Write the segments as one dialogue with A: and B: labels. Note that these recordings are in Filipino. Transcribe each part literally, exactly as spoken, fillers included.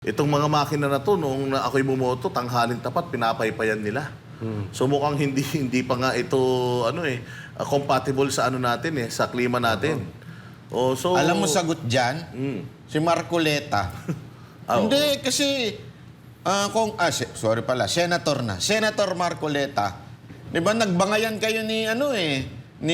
A: Itong mga makina na to, noong na ako'y bumoto, tanghalin tapat, pinapaypayan nila. Hmm. So mukhang hindi hindi pa nga ito ano eh uh, compatible sa ano natin eh, sa klima natin. Oh, so
B: alam mo sagot diyan?
A: Mm.
B: Si Marcoleta.
A: Oh.
B: Hindi kasi uh, kung ah, sorry pala, senator na. Senator Marcoleta. 'Di ba nagbangayan kayo ni ano eh ni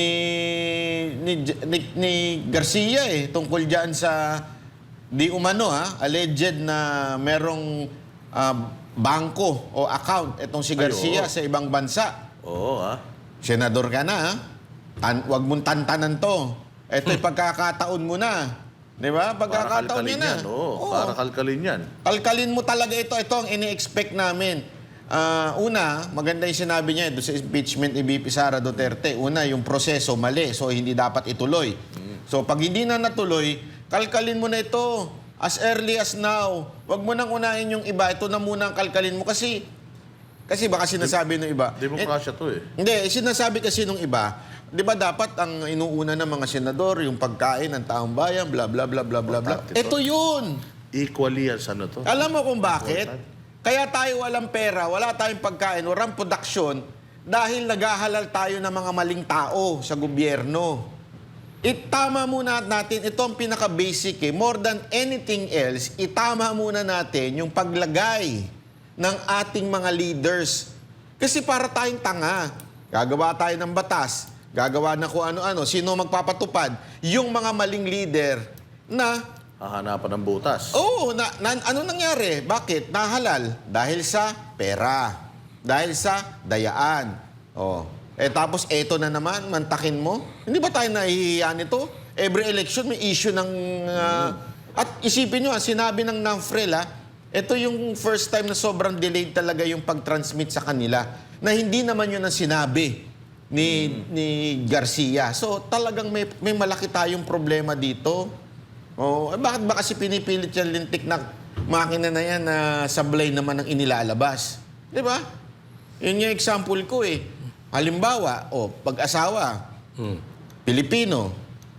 B: ni, ni, ni Garcia eh tungkol diyan sa di umano ha, alleged na merong uh, bangko o account itong si Garcia Ay, sa ibang bansa.
A: Oo, ha?
B: Senador ka na, ha? Tan wag mong tantanan to. Ito'y hmm. pagkakataon mo na. Di ba? Pagkakataon niya na.
A: Yan, oo. Oo. Para kalkalin yan.
B: Kalkalin mo talaga ito. Ito ang ini-expect namin. Uh, una, maganda yung sinabi niya doon sa impeachment ni B P Sara Duterte. Una, yung proseso mali. So, hindi dapat ituloy. Hmm. So, pag hindi na natuloy, kalkalin mo na ito. As early as now. Huwag mo nang unahin yung iba. Ito na muna ang kalkalin mo. Kasi, kasi baka sinasabi ng iba.
A: Demokrasya to eh.
B: Hindi, sinasabi kasi ng iba, di ba dapat ang inuuna ng mga senador, yung pagkain ng taong bayan, bla bla bla bla bla bla. Ito yun.
A: Equally as ano to.
B: Alam mo kung bakit? Kaya tayo walang pera, wala tayong pagkain, walang production, dahil naghahalal tayo ng mga maling tao sa gobyerno. Itama muna natin, ito ang pinaka-basic eh. More than anything else, itama muna natin yung paglagay ng ating mga leaders. Kasi para tayong tanga, gagawa tayo ng batas, gagawa na kung ano-ano, sino magpapatupad? Yung mga maling leader na
A: hahanapan ng butas.
B: Oo, na, na, ano nangyari? Bakit? Nahalal. Dahil sa pera. Dahil sa dayaan. Oh. Eh tapos eto na naman, mantakin mo. Hindi ba tayo nahihiya nito? Every election may issue ng... Uh, at isipin nyo, sinabi ng NAFREL, ha, ito yung first time na sobrang delayed talaga yung pag-transmit sa kanila. Na hindi naman yun ang sinabi ni, hmm. ni Garcia. So talagang may, may malaki tayong problema dito. Oh, eh, bakit ba kasi pinipilit yung lintik na makina na yan na sablay naman ang inilalabas? Di ba? Yun yung example ko eh. Halimbawa, oh, pag-asawa, hmm. Pilipino,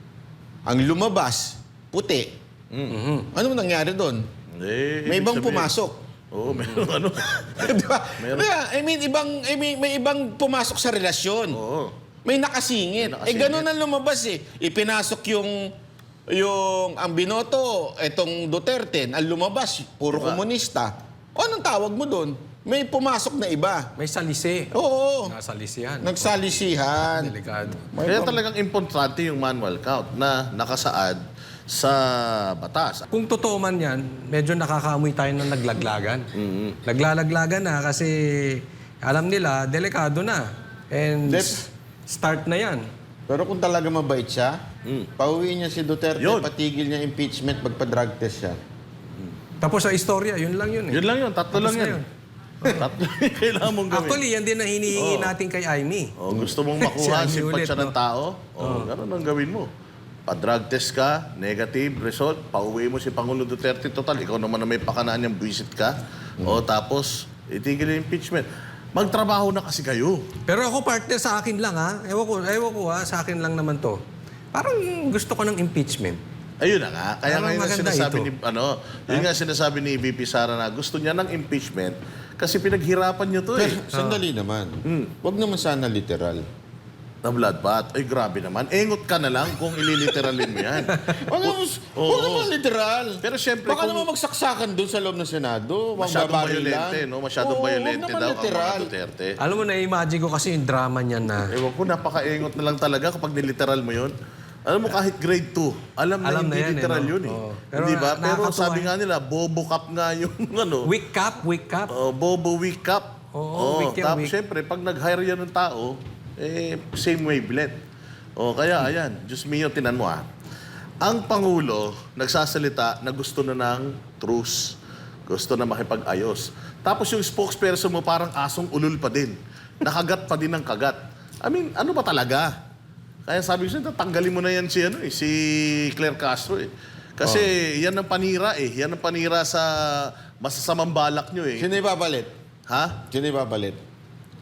B: ang lumabas, puti. Mm-hmm. Ano nangyari doon?
A: Eh,
B: may ibang sabihin. Pumasok.
A: Oo, oh, meron ano.
B: Diba? Meron. Yeah, I mean, ibang, I mean, may ibang pumasok sa relasyon.
A: Oo.
B: May nakasingit. May nakasingit. Eh, ganun ang lumabas eh. Ipinasok yung, yung, ang binoto, etong Duterte, ang lumabas, puro diba? Komunista. O, anong tawag mo doon? May pumasok na iba.
C: May salisi.
B: Oo.
C: Nasalisihan.
B: Nagsalisihan.
C: Delikado.
A: Kaya talagang importante yung manual count na nakasaad sa batas.
C: Kung totoo man yan, medyo nakakaamoy tayo ng naglaglagan. Mm-hmm. Naglalaglagan na kasi alam nila, delikado na. And Dep start na yan.
B: Pero kung talaga mabait siya, mm. pauwiin niya si Duterte, yun. Patigil niya impeachment, magpa-drug test siya.
C: Mm. Tapos sa istorya, yun lang yun eh.
A: Yun lang yun, tatlo
C: Tapos
A: lang yan. Tatlo kailangan mong gawin.
C: Actually, yan din ang hinihingi oh. natin kay Aimee.
A: Oh, gusto mong makuha si simpatsya no? ng tao? Oh, oh. Ganun ang gawin mo. Pa-drug test ka, negative result, pauwi mo si Pangulo Duterte, total, ikaw naman na may pakanaan niyang buwisit ka. Mm. O tapos, itigil yung impeachment. Magtrabaho na kasi kayo.
C: Pero ako partner sa akin lang ha. Ewan ko, ewan ko ha, sa akin lang naman to. Parang gusto ko ng impeachment.
A: Ayun na nga. Kaya ngayon na sinasabi
C: ito.
A: ni, ano, yun nga sinasabi ni V P Sara na gusto niya ng impeachment kasi pinaghirapan niyo to eh.
B: Pero, sandali uh. naman. Hmm. Huwag naman sana literal.
A: Na bloodbath. Ay, grabe naman. Engot ka na lang kung ililiteralin mo yan.
B: Huwag naman, oh, naman literal.
A: Pero siyempre,
B: baka kung naman magsaksakan doon sa loob ng Senado.
A: Masyadong violente, no? Masyadong oh, violente daw
B: literal.
A: ang mga Duterte.
C: Alam mo, na-imagine ko kasi yung drama niyan na...
A: Ewan ko, napaka-engot na lang talaga kapag niliteral mo yun. Alam mo, kahit grade two, alam, alam na, na hindi yan, literal eh, no? yun eh. Oh. Pero, hindi ba? Pero sabi nga nila, bobo cup nga yung ano.
C: Weak cup, weak cup.
A: Oh, bobo weak cup.
C: Oo, oh, weak yan,
A: tapos siyempre, pag nag-hire yan ng tao, eh, same wavelength. O, kaya, ayan, Diyos mio, tinan mo ah. Ang Pangulo, nagsasalita na gusto na ng truce. Gusto na makipag-ayos. Tapos yung spokesperson mo, parang asong ulul pa din. Nakagat pa din ng kagat. I mean, ano ba talaga? Kaya sabi ko siya, tanggalin mo na yan si, ano, eh, si Claire Castro eh. Kasi oh. yan ang panira eh. Yan ang panira sa masasamang balak nyo eh.
B: Sino ibabalit?
A: Ha?
B: Sino ibabalit?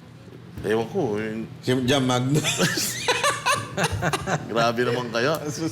A: Ewan ko. Yung...
B: Si Jam Magnus.
A: Grabe naman kayo.